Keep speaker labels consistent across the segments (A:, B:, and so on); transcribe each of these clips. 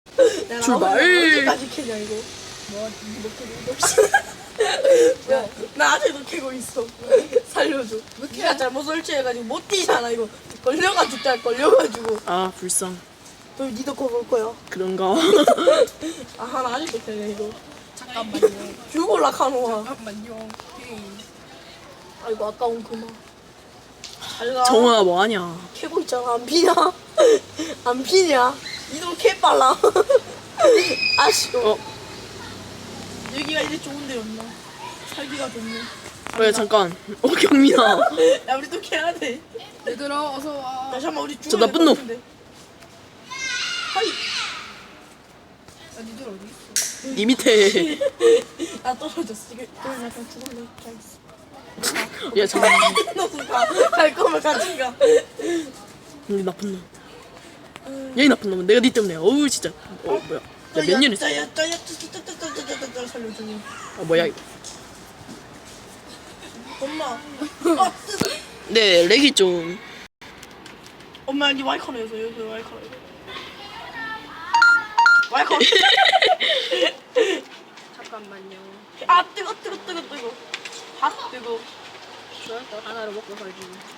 A: 출발.
B: 언제까지 캐냐 이거? 뭐 캐고 있어? 나 아직도 캐고 있어. 살려줘. 네가 잘못 설치해가지고 못 뛰잖아 이거. 걸려가지고.
A: 아 불쌍.
B: 너 니도 거볼 거야.
A: 그런가?
B: 아 하나 아직도 캐네 이거. 잠깐만요. 죽을라 카노아.
C: 잠깐만요.
B: 아이고 아까운 그만. 잘가.
A: 정원아 뭐하냐?
B: 캐고 있잖아. 안 피냐? 안 피냐? 니도 캐 빨라. 아쉬워. 여기가 이제 좋은 데였나? 살기가 좋네.
A: 왜 잠깐. 경민아.
B: 야 우리 또 캐야 돼.
C: 얘들아 어서 와.
B: 야 잠깐만 우리
A: 저
B: 죽어야
A: 나쁜 놈.
B: 하이.
C: 야 니들 어디 있어?
A: 니 밑에.
B: 나 떨어졌어. 이거 약간 죽을래. 잘 있어.
A: 야 잠깐.
B: 너도 갈 거면 같이 가.
A: 니 나쁜 놈. 얘 나쁜 놈은 내가 니 때문에. 어우 진짜. 뭐야? 야 몇 년 했어?
B: 짜야 살려줘.
A: 아 뭐야 이거?
B: 엄마.
A: 네 렉이 좀.
B: 엄마 니 와이커너에서 여기 와이커너. 와이커너.
C: 잠깐만요.
B: 아 뜨거. 아 뜨거.
C: 좋아요. 하나를 먹고 살지.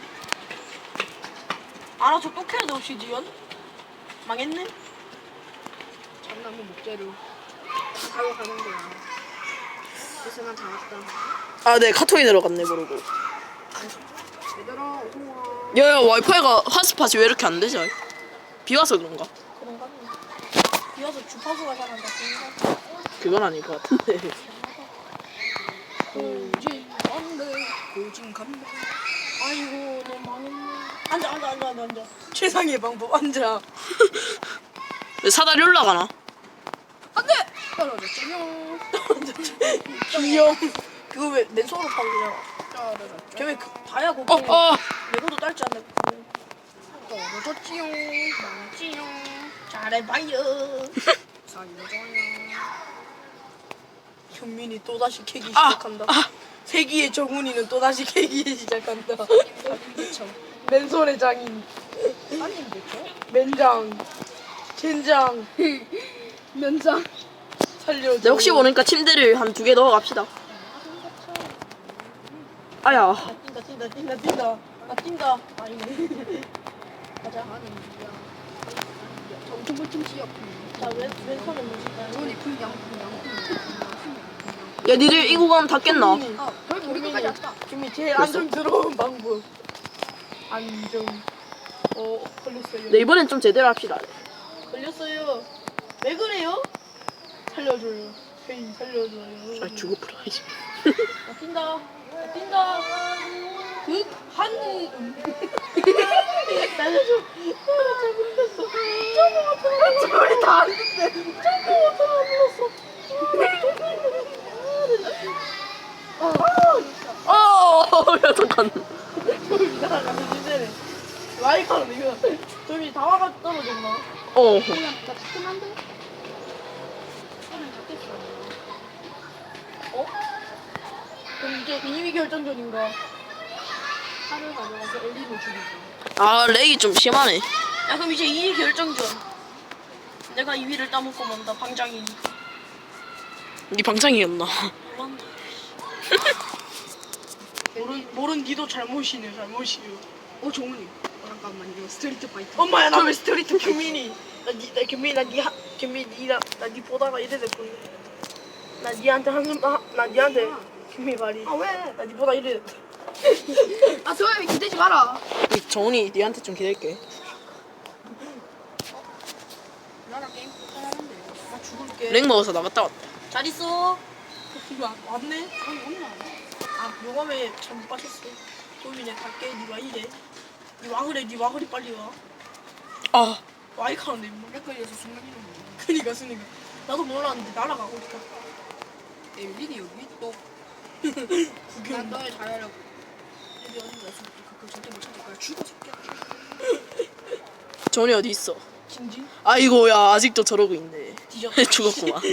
B: 알아 저또 캐야 돼 혹시 지연? 망했네?
C: 장나무 목재로 다 사고 가는 거야. 그래서 난 다 왔다.
A: 아 네 카톡이 들어갔네 모르고.
C: 얘들아 어서 와.
A: 야야 와이파이가 핫스팟이 왜 이렇게 안 되지? 비 와서 그런가?
B: 그런가? 비와서 주파수가 잘 안 잡힌가?
A: 그건 아닐 것 같은데.
C: 고진 건데 고진 간다.
B: 아이고 너 망했네. 앉아. 최상의 방법 앉아.
A: 왜 사다리 올라가나?
C: 안돼. 떨어졌죠.
B: 귀염. 그거 왜 맨손으로 파고 그냥?
C: 떨어졌죠.
B: 걔왜 다야 고기? 레고도 딸지 않네.
C: 떨어졌지요. 망했지요.
B: 잘해봐요.
C: 살려줘요.
B: 현민이 또다시 캐기 시작한다. 세기의 정훈이는 또다시 캐기 시작한다.
C: 그쵸.
B: 맨손의 장인.
C: 아님 그쵸?
B: 맨장. 젠장.
C: 면장.
B: 살려줘.
A: 네, 혹시 모르니까 침대를 한 2개 넣어 갑시다. 아야.
B: 뛴다. 아 뛴다. 아니네.
C: 가자. 정통불통 시역.
B: 자 왼손은 뭐지?
C: 손이 풍량.
A: 야 니들 이거 가면 다 깼나?
C: 거의 우리 끝까지 왔다.
B: 김이 제일 안정스러운 방법. 안정. 걸렸어요.
A: 네 이번엔 좀 제대로 합시다.
B: 걸렸어요. 왜 그래요? 살려줘요. 헤이 살려줘요.
A: 아 죽어버려.
B: 나 뛴다. 극한 살려줘. 잘못했어. 저거가 다안 된대. 저거가 안 불렀어.
A: 야 잠깐.
B: 저기 나가는 주제네. 와이카는 이거 저기 다 와가 떨어졌나?
C: 그냥 다 따끈한데?
B: 그럼 이제 2위 결정전인가?
C: 칼을 가져가서 엘리를 죽이고.
A: 아 렉이 좀 심하네.
B: 야 그럼 이제 2위 결정전. 내가 2위를 따먹고 만다 방장이니.
A: 니 방장이었나?
B: 모른 니도 잘못이네.
C: 정훈이. 잠깐만요. 스트리트 파이터.
B: 엄마야 나 왜 스트리트 규민이? 규민이 나니 보다가 이래 됐거든. 나 니한테 나 니한테 규민이 말이.
C: 아 왜?
B: 나 니 보다 이래 됐다.
C: 아 소연이 기대지 마라.
A: 정훈이 니한테 좀 기댈게.
C: 나랑 게임 하는데.
B: 나 죽을게.
A: 렉 먹어서 나갔다 왔다.
B: 잘 있어. 왔네.
C: 아니 엄마.
B: 아 용암에 잘못 빠졌어. 도민이 갈게. 니 와 이래. 니 와 그래 빨리 와.
A: 아
B: 와이카는데 임마.
C: 헷갈려서 순간 이름 몰라.
B: 그니까 나도 몰랐는데 날아가고 있다.
C: 엘린이 여기 또.
B: 구경.
C: 난 너의 자유라고. 여기 어딘가 있어. 그거 절대 못 찾을 거야. 죽어 새끼야.
A: 정훈이 어디 있어?
B: 진진?
A: 아이고 야 아직도 저러고 있네.
B: 뒤졌다.
A: 죽었구만.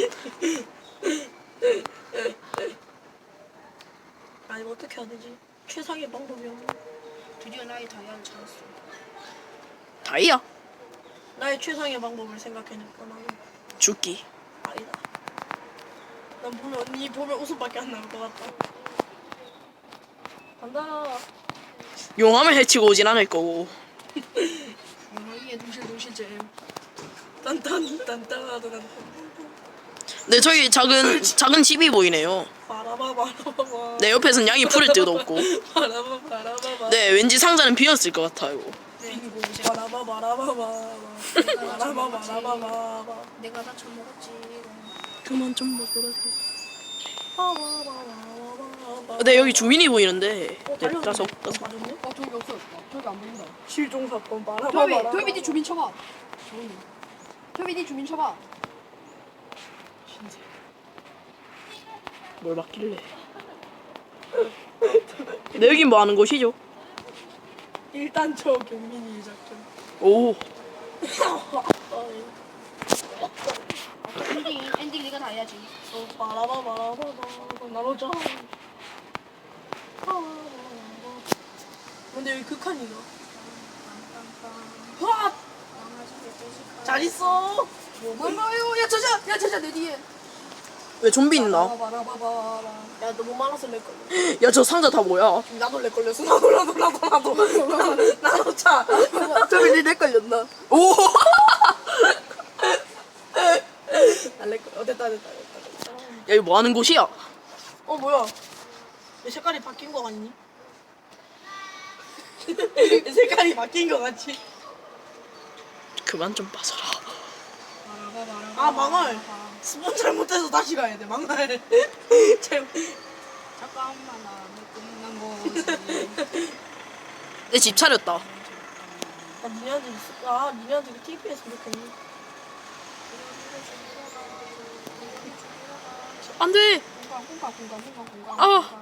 B: 아 이거 어떻게 해야 되지? 최상의 방법이었나?
C: 드디어 나의 다이아를 찾았어.
A: 다이야?
B: 나의 최상의 방법을 생각해냈구나. 나는.
A: 죽기.
B: 아니다. 난 보면 언니 보면 웃음밖에 안 나올 것 같다. 간다.
A: 용암을 해치고 오진 않을 거고.
C: 영화기에 동실동실잼.
B: 딴딴딴딴딴딴.
A: 네, 저기 작은 집이 보이네요.
B: 바라바바라바바.
A: 네, 옆에선 양이 풀을 데도 없고.
B: 바라바바라바바.
A: 네, 왠지 상자는 비었을 것 같아요.
B: 빙고 바라바바라바바. 바라바바라바바.
C: 내가 다 처먹었지.
A: 그만 좀 먹으라.
B: 바라바바라바바.
A: 네, 여기 주민이 보이는데. 네,
B: 달려오네.
A: 따서.
B: 맞았네?
C: 저기 없어. 저기 안 보인다.
B: 실종 사건
C: 토비,
B: 바라바바라.
C: 토비 니 주민 쳐봐. 토비 니 주민 쳐봐.
A: 뭘 맡길래. 네, 여긴 뭐 하는 곳이죠?
B: 일단 저 경민이 작전.
A: 오.
C: 엔딩 네가 다 해야지.
B: 바라바바라바바. 나로자. 근데 여기 극한이가. 와! 잘 있어.
C: 뭐야? 야 저자 내 뒤에.
A: 왜 좀비 있나?
B: 야, 너무 많아서 내 걸려.
A: 야, 저 상자 다 뭐야?
B: 나도 내 걸렸어. 나도 차. 저기 내 걸렸나?
A: 오.
B: 날내 걸. 됐다.
A: 야, 이거 뭐 하는 곳이야?
B: 뭐야? 내 색깔이 바뀐 거 같니? 내 색깔이 바뀐 거 같지?
A: 그만 좀 빠져라.
B: 아, 망할. 스폰 잘못해서 다시 가야 돼. 망할.
C: 잠깐만 나는 끝난 거지.
A: 내 집 차렸다.
B: 니네한테 있을까? 니네한테 TP 했으면 좋겠니?
A: 안 돼.
C: 공감.
A: 아.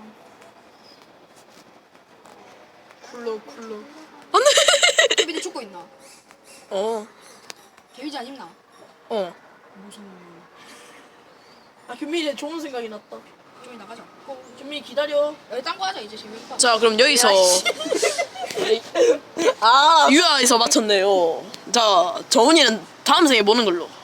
B: 쿨러.
A: 안 돼.
C: 토비 니 죽고 있나?
A: 어.
C: 데미지 안 입나?
A: 어.
C: 무슨
B: 규민이 좋은 생각이 났다.
C: 저기 나가자.
B: 규민이 기다려.
C: 여기 딴거 하자 이제 재밌다.
A: 자, 그럼 여기서
B: 아,
A: 유아에서 마쳤네요. 자, 정훈이는 다음 생에 보는 걸로.